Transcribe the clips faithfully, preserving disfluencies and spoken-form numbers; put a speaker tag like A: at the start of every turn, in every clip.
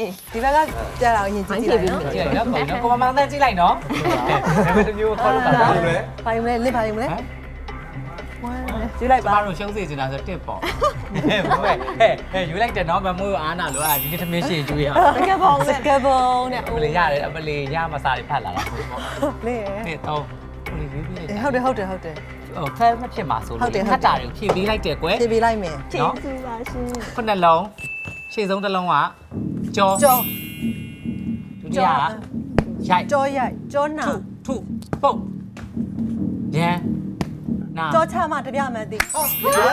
A: အေးဒီဘက်ကကြာတော့ရင်ကြည့်ကြည့်နော်
B: ကြည့်လိုက်နော်ကိုကိုမမောင်တန်းကြည့်လိုက်နော်ဒါပေမဲ့တမျိုးခေါ်လို့တာပါလို့လေ
A: ဘာယူမလဲလစ်ဘာယူမလဲဝမ်းကြည့်လိုက်
B: ကျ
A: ပါ
B: မတို့ရှုံးစေချင်တာဆိုတစ်ပေါ့ဟဲ့ဟဲ့ဟဲ့ယူလိုက်တယ်နော်မမိုးအားနာလို့အာဒီနေ့သမင်းရှင်ကျွေးရ
A: စကပုံနဲ့စကပုံနဲ့
B: အမလေးရတယ်အမလေးရမစားတွေဖတ်လာတာပေါ့
A: လေ
B: နေ့တော့ကိုလေးရေးပြီးလိုက်
A: ဟုတ်တယ်ဟုတ်တယ်ဟုတ်တယ်
B: ဟိုဖဲမဖြစ်မှာဆိုလို့ခတ်တာတွေကိုဖြည့်ပေးလိုက်တယ်ကွယ်
A: ဖြည့်ပေးလိုက်မယ်
B: နော်ခုနှလုံးရှေ့ဆုံးတစ်လုံးကကြော
A: ကြော
B: ဒုတိယကရိုက်
A: ကြောရိုက်ကြောနာ
B: ထုပုတ်ရန်နာ
A: ကြောချမှတပြမှန်သိဟုတ်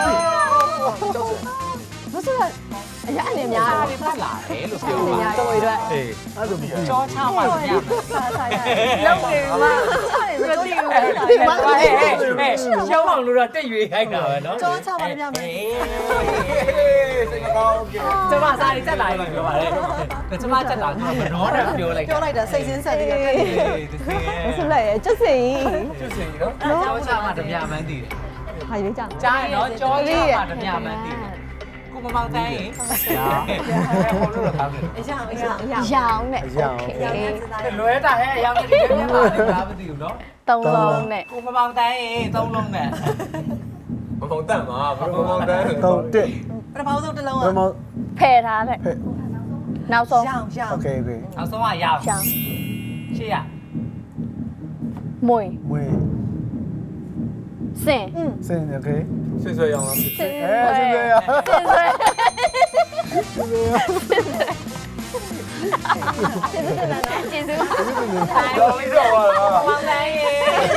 A: မဆိုရအရာအနေများ
B: စားတွေဖတ်လာတယ်လို့ပြော
A: အနေ
B: ပါ
A: များတော်တွေအတွက်
B: အေးအဲ့လိုကြောချပါဗျာ
A: စားစားရလုံးနေမှာစားရမသိဘူး
B: ဟဲ့ဟဲ့ဟဲ့ရှောင်းအောင်လို့တော့တက်ရွေးခိုင်းတာပဲနော်
A: ကြောချမှတပြမှန်
B: စိတ်ကောင်းကဲကျမစားတွေတက်လာရင်ပြောပါလေကျမတက်လာကမနှောနဲ့ပြောလိုက်
A: ပြောလိုက်တာစိတ်စင်းဆက်ပြီးတော့
B: အေး
C: ဆုလိုက်ရကျွတ်စင်
B: ကျွတ်စင်နော်ကြောချမှတပြမှန်းတည်တယ်
C: ဟာရွေးကြ
B: ကြားရင်တော့ကြောချမှတပြမှန်းတည်တယ်ကိုမမောင်တိုင်းရင်ဟောလို့တော့ကောင်းတယ်
A: အရာအရာ
C: ရောင်နဲ့
D: ရောင်
B: လွဲတာဟဲ့အရောင်နဲ့ဒီထဲမှာလည်းမသိဘူးနော်
C: သုံးလုံးနဲ့
B: ကိုမမောင်တိုင်းရင်သုံးလုံးနဲ့
E: မမောင်တန်မှာဘာမမောင်တန်
D: တော့တက်
A: ပထမဆုံးတစ်လုံး
D: ဘယ်မှာ
C: ဖယ်ထားတဲ့နောက်ဆုံး
A: ရောင်ရောင်
D: โอเคโอเค
B: နောက်ဆုံးကရောင်
C: ရောင်
B: ရှေ့ရ
C: မွေ
D: မွေး
C: စင်
D: စင်โอเค
E: ဆွဆွဲရောင်းလား
C: စင်
D: အဲစင်ရ
C: ဆွဲ ကျေးဇူး
E: တော်လေးတော့ပါ
B: မောင်တိုင်းရင်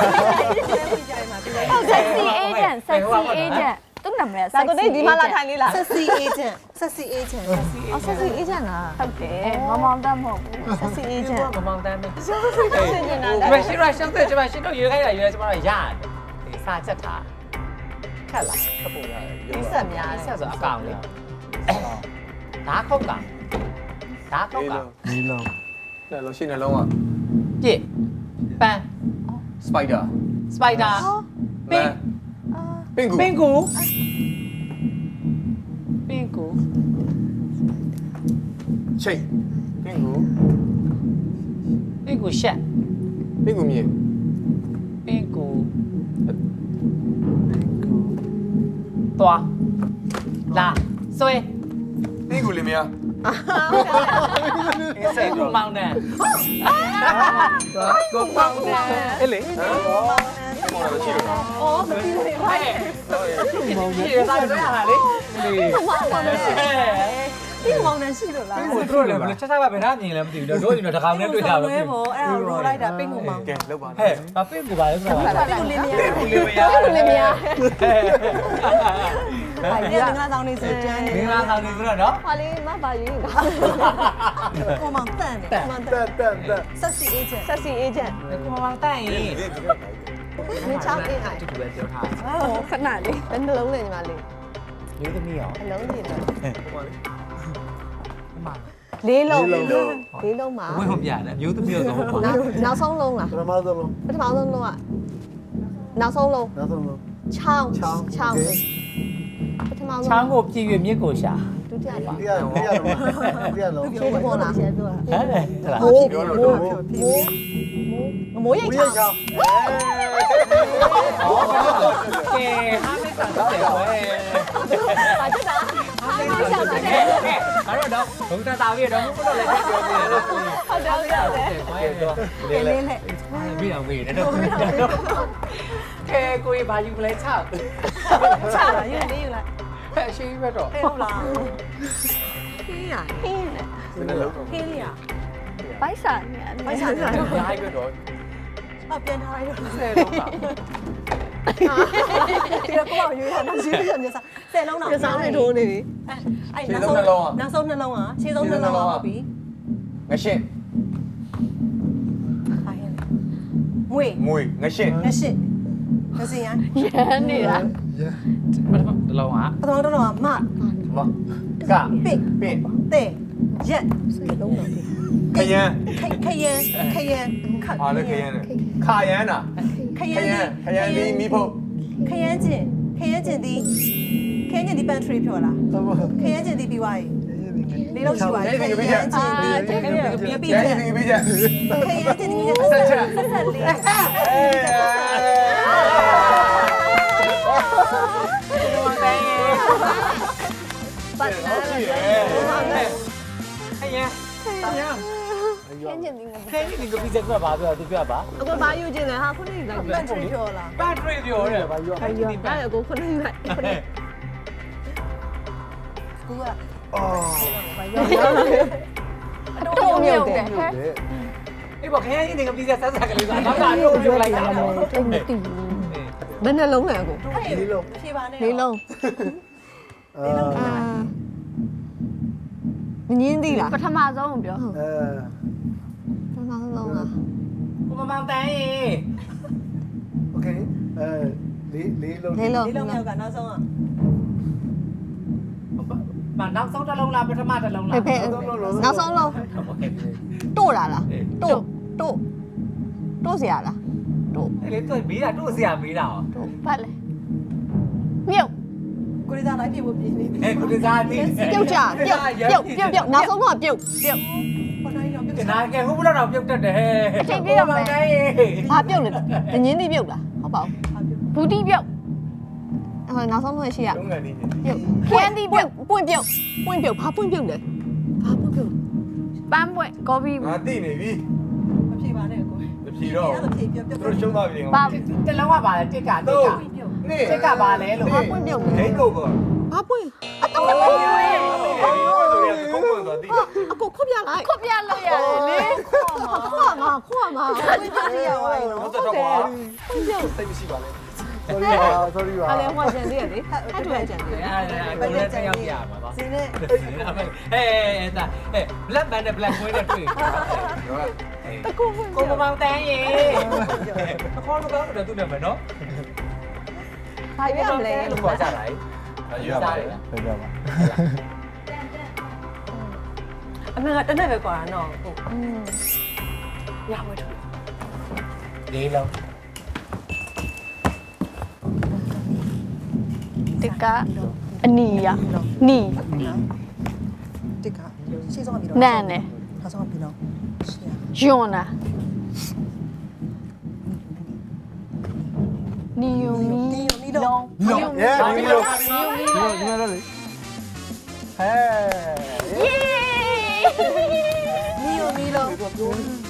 C: ဆက်စီအေဂျင့်ဆက်စီအေဂျင့်သူ့နာမည်ဆက်စီဒီမှာလာထိုင်လေးလား
A: sexy agent sexy agent
C: အော်ဆက်စီအေဂျင့်လားဟုတ်တယ်မမောင်တတ်မဟုတ်ဘူးဆက်စီအေဂျင့်
B: မမောင်တိုင်းပဲ
C: ဆင်နေတာ
B: ဒီမှာရှင်းရရှင်းတယ်ဒီမှာရှင်းတော့ရွေးခိုင်းတာရွေးကျမတို့ရတယ်ဒီစာချက်ထားခက်လားခက်ပုံရတယ်
A: ဒီဆက်များ
B: ဆက်ဆိုအကောင်လေးဓာခုတ်ကောင်ဓာခုတ်ကောင်
D: ဒီလုံး
E: တယ်လို့ရှိနေလုံးက
B: ပြစ်ပန်း
E: စပိုက်ဒါ
B: စပိုက်ဒါပင်
E: ပင်ကူ
B: ပင်ကူပင်ကူ
E: ချိတ်ပင်ကူ
B: ပင်ကူရှက်
E: ပင်ကူမြေ
B: ပင်ကူသွားလာဆွဲ
E: ပင်ကူလေးမယား
B: စဲကူမောင်နဲ့ကိုမောင်နဲ့အဲ့လေ
E: ဟမ်မောင်လာချိတ်လို့
A: အော်မပြီးဘူးလေ
B: ဟဲ့ဒီစားရတာလေလေ
A: ဒီမောင်နှံရှိလို့လား
B: ဟိုတို့လည်းဘယ်လိုချက်စားပါဘယ်နှမြင်လဲမသိဘူးတို့ဒီတော့တကောင်နဲ့တွေ့တာတော့
A: ပဲပေါ့အဲ့ဒါရိုးလိုက်တာပိတ်ကိုမောင်
E: ကဲလောက်ပါ
B: ဟဲ့အပင့်ကူပါလဲဆိုတာ
A: ပိတ်ကိုလေးမရ
B: ကူလေးမရ
C: အဲ့လိုလည်းမရ
A: အဲ့ဒီငါးဆောင်နေစကြမ်းနေ
B: မင်္ဂလာဆောင်နေဆိုတော့နော်
C: ဟာလေးမပါရွေးက
A: ကိုမောင်တန်တယ်မောင်တ
D: တက်
A: န်
D: တက်တက်
A: sexy agent
C: ဆက်စီအေဂျင့်
B: ကိုမောင်တန့်ရင်
A: မင်းချောင်းအေးအိုင်
B: တူတူပဲပြောထား
C: ဟိုခဏလေးဘယ်နှလုံးလဲညီမလေး
B: လေးသမီးရော
C: အလုံးကြီးတယ်
B: မ
C: လေးလုံးလေးလုံးမှာ
B: ဝင်းဟုတ်ပြတယ်မျိုးသမီးရောဆိုဟုတ်ပါ
C: နောက်နောက်ဆုံးလုံးလား
D: ပထမဆုံးလုံး
C: ပထမဆုံးလုံးကနောက်ဆုံးလုံး
D: နောက်ဆုံးလုံး
C: ချောင်း
D: ချောင်း
C: ချောင်းပထမဆုံး
B: ချောင်းကိုပြည့်ရွမြစ်ကိုရှာ
C: ဒုတိယလုံး
D: ဒီရဒီရလုံးဒီရလုံး
C: ရှေ့ပေါ်လားရှေ့ပြောတာ
B: ဟဲ့ဟလာ
C: မိုး
E: ပြောလို့
C: မိုး
E: တော့
C: မိုးရိတ်
D: ဝိ
C: ချော
D: ရ
C: င်း
D: ချောင်း
B: อ๋อကဲဟာမေးတာတော့တယ်ကွယ်
C: ပါတက်တာဟာမရှောင်းတယ်
B: ကဲကဲအဲ့တော့တော့ဘုံသာတာပြီးတော့ဘုံတော့လည်းပြောနေတယ်တော့
C: ဟုတ်တယ်ဟုတ်တယ်
B: ကွယ်တော့
A: လေးလေးနဲ့
B: ပြီးတော့ပြီးတယ်တော့ကဲကိုကြီးဘာယူလဲချောက်
A: ချတာယူလေးယူလိုက်
B: ဖက်ရှိပဲတော့
A: ဟဲ့ဟုတ်လားခင်းရ
C: ဟင်းနဲ့
E: ဒီနေ့လုံးတော့
A: ခင်းလေးရ
C: ဘိုက်စာနဲ့
A: ဘိုက်စာနဲ့
E: အားပြတော့
A: အပြန်ထားလိုက်တော့
B: ဆယ်လုံးပါ
A: ဒီတော့ကိုအောင်ရွေးတာနောက်ရွေးပြီးတော့မျက်စာဆယ်လုံးတော့
C: ပြစားနေထိုးနေပြီ
A: အဲ့နောက်ဆုံးနောက်ဆုံးနှလုံးอ่ะခြေဆုံးနှလုံးอ่ะဟုတ်ပြီ
E: ငရှင်း
A: ဟာရင်မွေ
E: မွေငရှင်း
A: ငရှစ်ငစင်ရ
C: ရမ်းနေတာ
B: ပထမတစ်လုံးอ่ะ
A: ပထမတော့တော့မ
E: မက
A: ပစ်
E: ပင်
A: တဲ့ရက်
C: စကလုံးတော့
E: ခရမ်း
A: ခရမ်းခရမ်းခ
E: ဟာလည်းခရမ်းနဲ့ခရမ်းတာ
A: ခ
E: ခ
A: ရ
E: ရ
A: မ်း
E: မ်းခရမ်းဒီမိဖို့
A: ခရမ်းကျင်ခရမ်းကျင်ဒီခရမ်းကျင်ဒီ pantry ပြောလားခရမ်းကျင်ဒီပြီးသွားပြီ
D: ရ
A: လေးလုံးရှိပါ
E: အဲ့
A: တယ်
E: ဒီကပြချက်
A: အာတဲ့ပြပြ
E: ကျန်
A: ချက်
E: ဒီပြချက်
A: ခေရချင်းဒီဆက်ဆက်ဆက်ဆက်လေး
B: ပတ်ဟဲ့ဟဲ့
C: ခင်းချင်တယ်
B: ခဲကြီးဒီကပီဇက်ကဘာပြောသူပြောပါ
A: အကိုဘာယူခြင်းလဲဟာခုနေလိုက်ပတ်ထရီပြောလား
B: ပတ်ထရီပြောတယ်ဘာပြောခဲကြီးဒီပတ်
A: အဲ့ကိုခုနေလိုက်ခုနေကူကအော်ဘာယူတော့မြုပ်တယ်
B: အေးဘာခဲကြီးဒီကပီဇက်ဆက်ဆက်ကလေးဆိုတော့ကတော့ပြောလိုက်တာ
C: တိတ်မသိဘူး
A: ဘယ်နှလုံးလဲအကို
D: လေးလုံး
A: ဖြေပါနဲ့
C: လေးလုံး
D: အာ
C: အာမငင်းသေးလားပထမဆုံးကိုပြော
D: အဲ
C: ပထမဆုံးလား
B: ကိုမမောင်တန်းရေ
D: โอเคအဲလေးလေးလုံး
C: လေးလုံး
A: လေးလုံးမြောက်ကနောက်ဆုံးอ่ะ
B: မနောက်ဆုံးတစ်လုံးလားပထမတစ်လုံးလား
C: ဖေဖေနောက်ဆုံးလုံးတို့တာလားတို့တို့တို့เสียလားတို့
B: အဲ့လေသူမေးတာတို့ဆရာမေးတာဟော
C: တို့ဖတ်လေမြုပ်
A: ကိုရီးယားလိုက်ပြေဖို့ပြင်းနေပြီ
B: အဲ့ကိုတစားတိ
C: ပြုတ်ကြပြုတ်ပြုတ်ပြုတ်ပြုတ်နောက်ဆုံးတော့ပြုတ်ပြုတ်
A: ဘာနိုင်တော့ပြ
B: ကနာကဲဟိုဘလောက်တော့ပြုတ်တတ်တယ်ဟဲ့
C: အချိန်ပြည့်တော့မယ်ဘာပြုတ်လဲငင်းသေးပြုတ်လားဟုတ်ပါဘူးဘူးတီပြုတ်ဟိုနောက်ဆုံးတော့ရှိရ
E: လုံးငယ်နေနေ
C: ပြုတ်ခင်းတီပြုတ်ပွင့်ပြုတ်ပွင့်ပြုတ်ဘာပွင့်ပြုတ်လဲဘာပွင့်ပြုတ်ပန်းပွင့်ကော်ဖီ
E: ငါသိနေပြီ
A: မဖြေပါနဲ့ကို
E: မဖြေတော့
A: အဲ့ဒါဖြေပြပြ
E: သူတို့ရှုံးသွားပြီ
C: ဘာ
B: တစ်လုံးကပါလေတစ်ကတစ်က
E: နေ
B: တစ်ကပါလေလို့
C: ဘာပွင့်ပြုတ်လဲ
E: ဒိတ်ကိုကော
C: ဘာပွင့်အ
E: ဟို
C: တော့ပွင့်
E: ဆိုရင်ကိုကိုသွားသိ
C: အကိုခွပြလိုက်ခွပြလို့ရတယ်လေခွမှာခွမှာ
A: ကိုပြစီရဝိုင်းနော်
E: တော့တော့ကွာ
C: ပွင့်ပြုတ်
E: စိတ်မရှိပါနဲ့
D: sorry ပါ sorry ပါ
A: အဲ့လေဟိုကျန်သေးရလေဟဲ့တူကျန်သေး
B: အဲ့ဒါကိုလည်းတစ်ယောက်ပြမှာပါ
A: စင်းနဲ့
B: ဟဲ့ဟဲ့ဒါဟဲ့ black band နဲ့ black boy နဲ့တွေ့တကူကိုမမောင်တန်းရေတခေါ်လို့ကတော့သူ့နာမည်နော်
A: ဘာပြမလဲ
B: လို့ခေါ်ကြတာလေ
E: ရပါပါ
D: ပြပြပါ
A: အမေကတနေ့ပဲကွာနော်ဟုတ်ရမတူ
B: လေးလုံး
C: တကအနီရနီ
A: တစ်ခါရှေ့ဆုံးကပြီးတော့
C: နန်နဲ့
A: နောက်ဆုံးကပြီးတော့ရှေ့
C: ယွန်နာနီယိုမီ
A: ဒီမီလုံး
C: လုံး
D: ရဲဒီလိုဒီလိုဒီလိုလေဟဲ
C: ယေ
A: မီယိုမီလုံး
B: ဟဲ့
A: သူ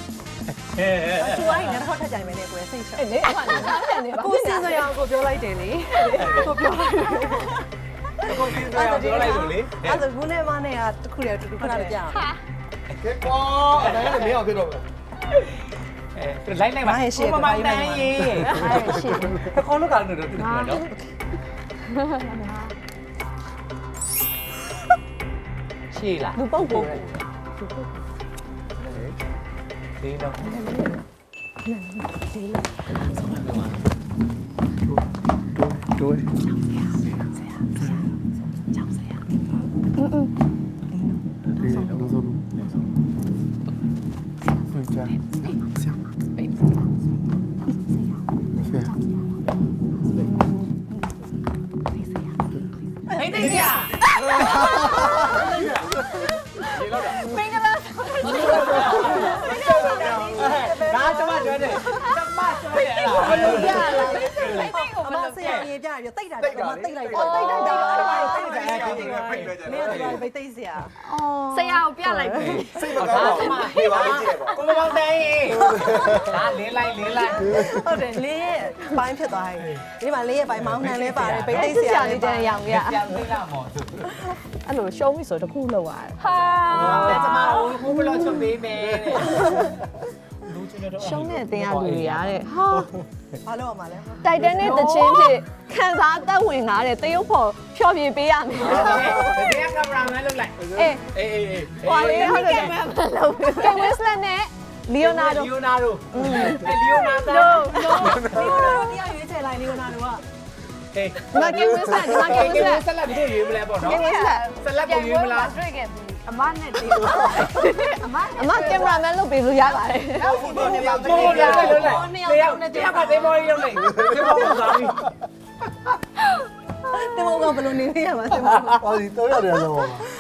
A: အဲ့နဲ့တော့ထက်ကြိုင်မယ်နဲ့ကိုယ်စိတ်ချအဲ့လေအဲ့ဒါနေပါကိုစင်စရာကိုပြောလိုက်တယ်လေကိုပြောလိုက်
B: ကိုစီပြောပြောလိုက်လို့လေ
A: အဲ့ဒါဘူးနဲ့မနဲ့ကတခုတည်းတူတူခဏလေးကြာ
E: ကဲကွာအဲ့ဒါလည်းမင်းအောင်ဖြစ်တော့မယ်
B: အဲလိုက်လိုက်ပါကိုမမောင်တန်းရေ
C: အဲ့ရှစ်
B: တခေါ်လို့ကတော့တူတယ်နော်ရှေ့လား
A: လူပုတ်ကို
B: လေးလုံး
D: တို့
C: อืม
D: လေးလုံးလုံးလုံးပြန်ကြဆရာဆရာ
B: ဟိတ်တိတ်ရ
C: မင်္ဂလာ
B: ဒါကျမပြောတယ်ကျမပြောတယ်အဲ့ဒါ
C: ဘယ်လိုပြလာလဲ
A: အမဆရာရေပြရတိတ်တာတော့မတိတ်လိုက်တော့တိတ်လိုက်တော့အဲ့ဒါတိတ်တယ်မင်းတို့ပဲတိတ်စရာ
C: ဆရာကိုပြလိုက်ပြီ
E: စိတ်မကောင်းတော့ပြေပါလိမ့်ကြည့်ပေါ့
B: ကိုမမောင်တန်းရေဒါလင်းလိုက်လင်းလိုက်
A: ဟုတ်တယ်လေးရဲ့ဘိုင်းဖြစ်သွားပြီဒီမှာလေးရဲ့ဘိုင်းမောင်းနှံလဲပါတယ်ပိတ်တိတ်စရာလေးတန်းရောင်ရ
B: ပြန်သိလာမော်သူ
A: အဲ့လိုရှုံးပြီဆိုတခုလောက်ရတယ်
C: ဟာ
B: ဒါကျမဟိုဘလော့ချုပ်ပေးမယ်တဲ့
A: ရှုံးတဲ့အတင်းအလူတွေရတဲ့ဟာဘာလို့ရမှာလဲ
C: တိုက်တန်းနဲ့တချင်းဖြစ်ခံစားသက်ဝင်လာတဲ့တရုတ်ဖော်ဖြောပြပေးရမယ်
B: ဒီကကင်မရာမန်လုပ်လိုက်
C: အေး
B: အေးအေးအေး
C: ဟွာလေးဟုတ်တယ်ကင်မရာမန်လုပ်ကင်ဝစ်လက်နဲ့လီယိုနာဒို
B: လီယိုနာဒိုအဲလီယိုနာဒို
C: no no
A: ဒီလိုတရားရွေးချယ်လိုက်လီယိုနာဒိုက
B: ဟေး
C: ဒီမှာကင်ဝစ်လက်ဒီမှာကင်ဝစ်လက်
B: ဆက်လက်ပြီးရွေးမလဲပေါ့နော်
C: ကင်ဝစ်လက်
B: ဆက်လက်ကိုရွေးမလား
C: တွေ့ခဲ့ပြီအမနဲ့တေးအမအမကင်မရာမန်လုပ်ပေးလို့ရပါတယ်
B: ဘိုးဘိုးနဲ့ပါဘိုးဘိုးနဲ့လုပ်လိုက်တရားတရားပါသေးမော်ရီလုပ်လိုက်ဒီမော်ရီသာပြီ
A: တင်မောကဘယ်လိုနေရမှာတင်မော
D: ဟောဒီတော့ရတယ်တော့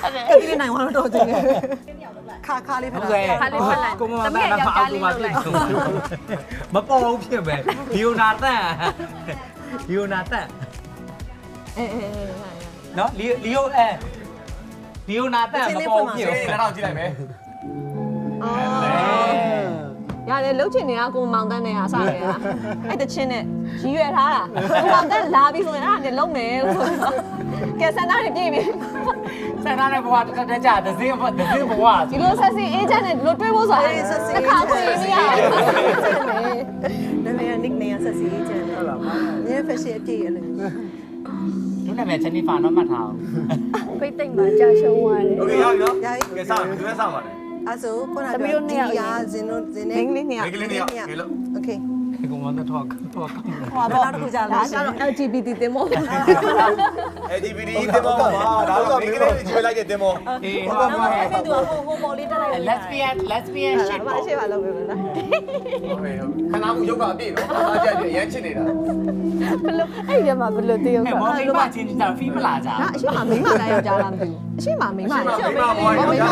A: ကတိနိုင်သွားတော့တယ်ခါခါလေးဖ
B: ဟု
A: က်
B: တ်
A: တာ
B: ကဲ့ကိုမမတန်တော့အောက်ကိုမဖြစ်မပေါ်ဘူးဖြစ်ပဲလီယိုနာတန်လီယိုနာတန်
C: အေးအေး
B: နော်လီလီယိုအဲလီယိုနာတန်မပေါ်ဘူးဖြစ်
E: ဒီကတော့ကြည့်လိုက်မယ်
C: အော်ရတယ်လှုပ်ချင်နေတာကိုမောင်တန်းနဲ့ဟာစရတာအဲ့တချင်းနဲ့ရည်ရွယ်ထားတာကိုမောင်တန်းလာပြီးဆိုရင်အဲ့ဒါနဲ့လုံမယ်လို့ဆိုတော့ကဲစန္ဒာတွေပြေးပြီ
B: ဆန်သားတဲ့ဘဝတစ်ခါတည်းကြာတစ်စင်းဘတစ်စင်းဘဝ
C: ဒီလိုဆက်စီအေးချမ်းနဲ့ဒီလိုတွေးဖို့ဆိုတာတစ်ခါခွေနေရတယ်
A: နာမည်က nick နေရဆက်စီကျန်တယ်ဟုတ်လားညဖက်ရှင်အပြည့်အဲ့လို
B: ဒီနာမည်ချင်းနီဖာတော့မှတ်ထားအောင်
F: ဖိတ်သိမ့်မှာကြာရှုံးသွားတယ်
E: โอเคရပြီနော်ကဲစအောင်ဒီမဲ့စအောင်ပါလေ
A: အဲ့ဆိုခုနကပြောဒီရာဇင်းတို့ဇင်းနေ
C: မင်းလေးနှစ်ယောက်
E: ဒီကလေးနေရပြီလို့
A: โอเค
B: ကိုမတော့တော့တော့
A: ဟောဘာလို့တစ်ခုကြာ
C: ဒါ
A: လဲ
C: ကတော့ L G B T တင်မို့
E: အေဒီဗီဒီတင်မောပါဒါတော့ဒီကလေးတွေကျွေးလိုက်တဲ့တင်မော
B: အေး
A: ဟုတ်ပါဘူးအဲ့ဒီတော့ဟိုဟိုပေါ်လေးတက်လိုက်
B: lesbian lesbian shit
A: ဘာရှိပါလို့ပြောလား
E: ဟုတ်ပြီဟုတ်ခဏမှုရုပ်ကအပြည့်နော်အားကြတယ်ရမ်းချစ်နေတာ
F: ဘလို့အဲ့ဒီမှာဘလို့တည်ရောက်
B: အဲ
F: တာ
B: မောင်လေးမချင်းတာဖီးမလာကြ
C: ဒါအရှိမမိမလားယောက်ျားလားမသိဘူးအရှိမမိမလား
E: မိမဘွားရော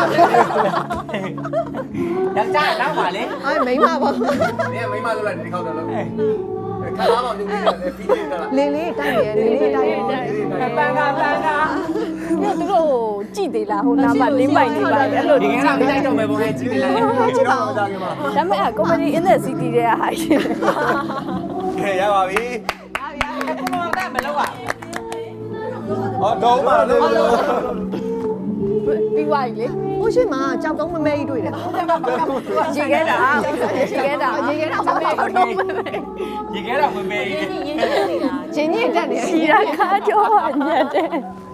B: ယောက်ျားတော့ပါလေ
C: အဲ့မိမပေါ့
E: ဒီမိမလို့လိုက်ဒီခေါက်တော့လို့ခဏမှမလုပ်ဘူးဖီးနေတာလား
C: လေးလေးတိုက်ရလေးလေးတိုက်ရ
B: ပန်းကပန်းက
F: ညသူတို့ကြည့်သေးလားဟိုနားမှာလင်းပိုင်နေပါလေအဲ့လို
B: ဒီကနေ့မတိုက်တော့မယ်ဘုံရဲ့ကြည့်လိုက်
E: ချစ်တော့ကြာခင်မှာ
F: ဒါပေမဲ့ comedy in the city တဲ့ဟာရှိတယ်
E: ကဲရပါပြီ
B: ကိုမတော့မလုပ်อ่ะ
E: ဟောတော့ပါလို့
F: ပြီးသွားပြီလေ
C: ဟိုရှိမှာကြောက်တုံးမမဲကြီးတွေ့တယ်
F: ရေခဲတာရေခဲတာ
C: ရေခဲတော့မမဲဘူး
B: ရေခဲတော့မမေး
C: ချင်းညစ်တက်နေ
F: ရှီရာခါကြောညက်တယ်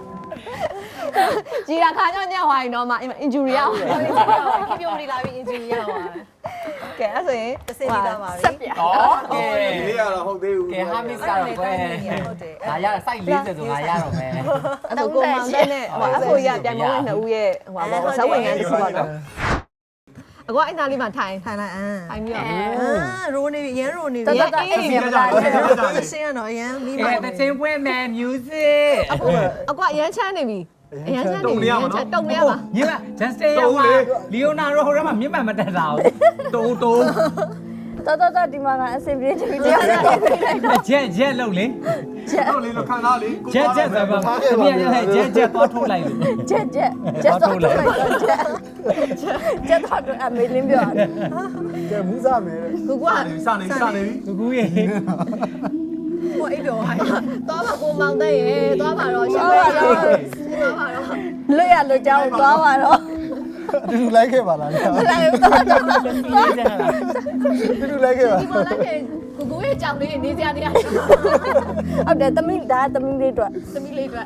C: ကြီးတာခါကြောင့်ညက်သွားရင်တော့မှ injury ရောက်
A: ခင်ဗျိုနေလာပြီး injury ရပါ
C: ကဲအဲ့ဆိုရင်
A: တစ်စင်းပြီးသားပါပြီ
F: ဆက်ပြ
B: ဩကဲ
E: ဒီလေးကတော့ဟုတ်သေးဘူး
B: ကဲဟာမစ်ကတော့ကွယ်ငါရစိုက်လေးဆိုငါရတော့မယ်
C: အဲ့ဒါကိုမောင်တဲ့နဲ့ဟိုအဖိုးရပြန်မဝင်နှစ်ဦးရဲ့ဟိုပါဇဝင်ငန်းတစ်ခုပါတော့အကွာအဲ့နာလေးမှာထိုင်
A: ထိုင်လိုက်အမ်
C: ထိုင်ပြီးတော့
A: အာရိုးနေပြီရမ်းရိုးနေ
F: တ
A: ပြီ
F: တတအေးမြမလား
A: စင်းရတော့ရမ်းပြီး
B: ကဲ
A: ပါ
B: တဲ့ချင်းပွဲမယ် music
C: အကွာရမ်းချမ်းနေပြီအရမ်းချမ်းနေပြီတုံနေရပါ
B: ညီမ Justin ရောလီယိုနာရိုဟိုရမှာမြင့်မှန်မတက်တာတူတူ
F: တတတဒီမှာကအဆင်ပြေတယ်တရားနဲ့
B: ချက်ချက်လုံးလေ
E: တော့လေးလို့ခံစားလေး
B: ချက်ချက်ဆိုပါသမီးရဲ့ချက်ချက်တော့ထုတ်လိုက်လို့
F: ချက်ချက်ချက်တော့ချက်ချက်တော့အမေလင်းပြောတယ်
D: ကဲမူးစားမယ်
C: ကိုက
E: စနေစနေပြီ
B: ကူကူရေ
A: ဟိုအိပ်ပြောဟိုင်း
C: သွားပါကိုမောင်တဲ့ရေသွားပါတော့ရှင်းပါတော့သွားပါတော့
F: လွတ်ရလွတ်ကြောင်းသွားပါတော့
D: တူတူလိုက်ခဲ့ပါလား
C: မလိုက်ဘူးသွားတော့
D: တူတူလိုက်ခဲ့ပါ
C: ဒီမှာလည်းကိုကိုရဲ့ကြောင်လေးနေစရာနေရာ
F: ဟုတ်တယ်သမီးဒါသမီးလေးတို့
C: သမီးလေးအတွက်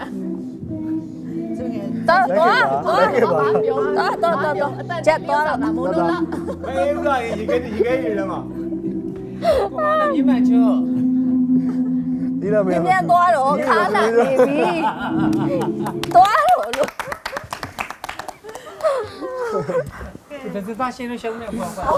F: တော့တော့
D: လိုက်ခဲ့ပါ
C: ပြော
F: တော့တော့တော့ချက်သွားတော့
C: မို့လို့လား
E: မေးဦးလာရင်ရေခဲရေခဲရေထဲမှာ
B: မြင့်မှန်ချော
D: ဒီလိုမျိုး
F: ပြန်သွားတော့ခါလာနေပြီသွားတော့လို့
B: ဒီစပါရှင်းလို့ရှုံးနေပေါ့ကွာ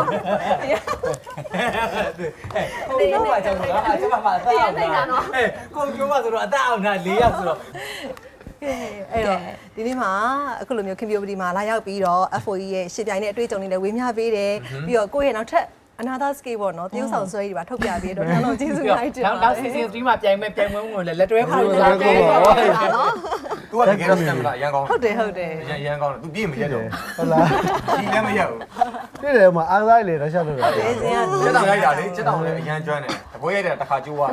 B: ကိုပြောပါကြောင်လားအကျမပါသားအောင်လားအဲကိုပြောပါဆိုတော့အသက်အောင်တာ၄ယောက်ဆိုတော့
A: အဲ့တော့ဒီနေ့မှာအခုလိုမျိုးခင်ဗျိုပဒီမှာလာရောက်ပြီးတော့ F O E ရဲ့ရှစ်ပြိုင်နဲ့အတွေ့အကြုံတွေလည်းဝေမျှပေးတယ်ပြီးတော့ကိုယ့်ရဲ့နောက်ထပ်အနာသာစကေပေါ့နော်တရုပ်ဆောင်ဆွဲကြီးပါထုတ်ပြပေးတော့တော်တော်ကျေးဇူးလိုက်တင်ပါ
B: နောက်နောက် season 3မှာပြိုင်မဲ့ပြိုင်ပွဲဝင်လည်းလက်တွဲခေါ်လာတယ်
C: နော်
E: तू ကတကယ်တော့စံမလားရန်ကောင်း
A: ဟုတ်တယ်ဟုတ်တယ်
E: ရန်ရန်ကောင်းတယ် तू ပြည့်မရက်တော့
D: ဟုတ်လား
E: ဒီလည်းမရက်ဘူး
D: ပြည့်တယ်မှာအားစားလေတော့ရှောက်လို့
A: ဟုတ်တယ်စင်က
E: ချက်တောင်ရိုက်တာလေချက်တောင်လည်းအရန်ကျွမ်းတယ်တပွဲရိုက်တယ်တစ်ခါကျိုးသွား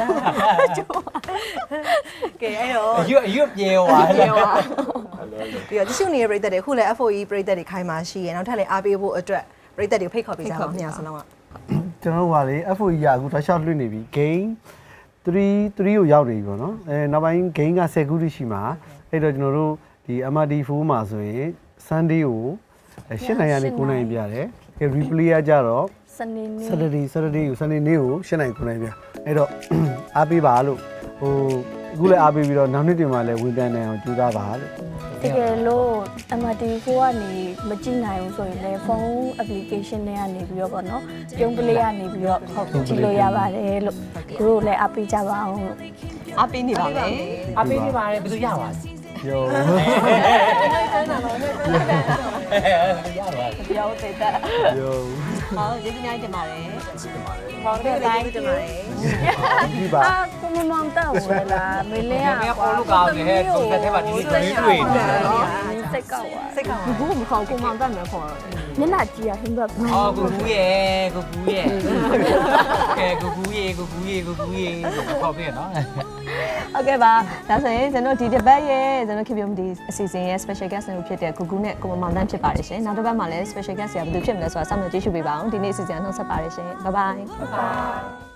A: ကဲအဲ့တော့
B: အရွအရွပြေသွားတယ်
A: ပြီးတော့တရှိနေတဲ့ပြည်သက်တွေခုလည်း F O E ပြည်သက်တွေခိုင်းမှာရှိရနောက်ထပ်လည်းအားပေးဖို့အတွက်ပြည်သက်တွေဖိတ်ခေါ်ပေးကြပါဦးညစလုံးက
D: ကျွန်တော်တို့ကလေ F O E ရအခုတော့ရှောက်လွှင့်နေပြီ game 3 3ကိုရောက်နေပြီပေါ့နော်အဲနောက်ပိုင်း game က10ခုတိရှိမှာအဲ့တော့ကျွန်တော်တို့ဒီ M R D fourမှာဆိုရင် Sunday ကို၈နိုင်ရနေ9နိုင်ပြတယ်အဲ replay ကကြတော့
F: စနေနေ့
D: Saturday Saturday ကို Sunday နေ့ကို၈နိုင်9နိုင်ပြအဲ့တော့အားပေးပါလို့ဟိုအခုလည်းအားပေးပြီးတော့နောက်နှစ်တင်မှာလည်းဝင်တန်းနေအောင်ကြိုးစားပါလို့
F: တကယ်လို့ M R D fourကနေမကြည့်နိုင်ဘူးဆိုရင်လည်းဖုန်း application တွေကနေပြီးတော့ပေါ့နော်ပြုံးပလေးကနေပြီးတော့ဟုတ်ကြည့်လို့ရပါတယ်လို့သူတို့လည်းအပေးကြပါအောင်လို့
C: အားပေးနေပါမယ်
B: အပေးနေပါတယ်ဘယ်သူရပါလဲ
D: ယုံ
B: ရပါ
C: ပြောသေးတယ်
D: ယုံ
C: ဟောကျေးဇူးများတင်ပါတယ်
A: ဟောတဲ့တိုင်းတင်ပါတယ်
D: ဒီပါ
F: အာကိုမမောင်တောက်ဝဲလာမင်းလေး
B: ဘယ်အော်လို့ကောင်းနေဟဲ့သူတစ်ထက်မှာဒီနေ့တွေ့တွေ့နေ
F: စိတ်ကောက်သွား
A: စိတ်ကောင်း
C: ဘူးမခေါ်ကိုမောင်တတ်မယ်ခေါ်တော့
F: မျက်နှာကြည့်ရဟင်းဘက်
B: အော်ကိုကူရဲ့ကိုကူရဲ့ကဲကိုကူရဲ့ကိုကူရဲ့ကိုကူရဲ့ပေါ့ပြနော်
C: โอเคပါဒါဆိုရင်ကျွန်တော်ဒီတစ်ပတ်ရဲ့ကျွန်တော်ခင်ဗျမဒီအစီအစဉ်ရဲ့ special guest တွေဖြစ်တဲ့ဂူဂူနဲ့ကိုမမောင်တန်းဖြစ်ပါတယ်ရှင်နောက်တစ်ပတ်မှာလည်း special guest ဆရာဘယ်သူဖြစ်မလဲဆိုတာစောင့်မျှော်ကြည့်ရှုပေးပါအောင်ဒီနေ့အစီအစဉ်နှုတ်ဆက်ပါတယ်ရှင် bye bye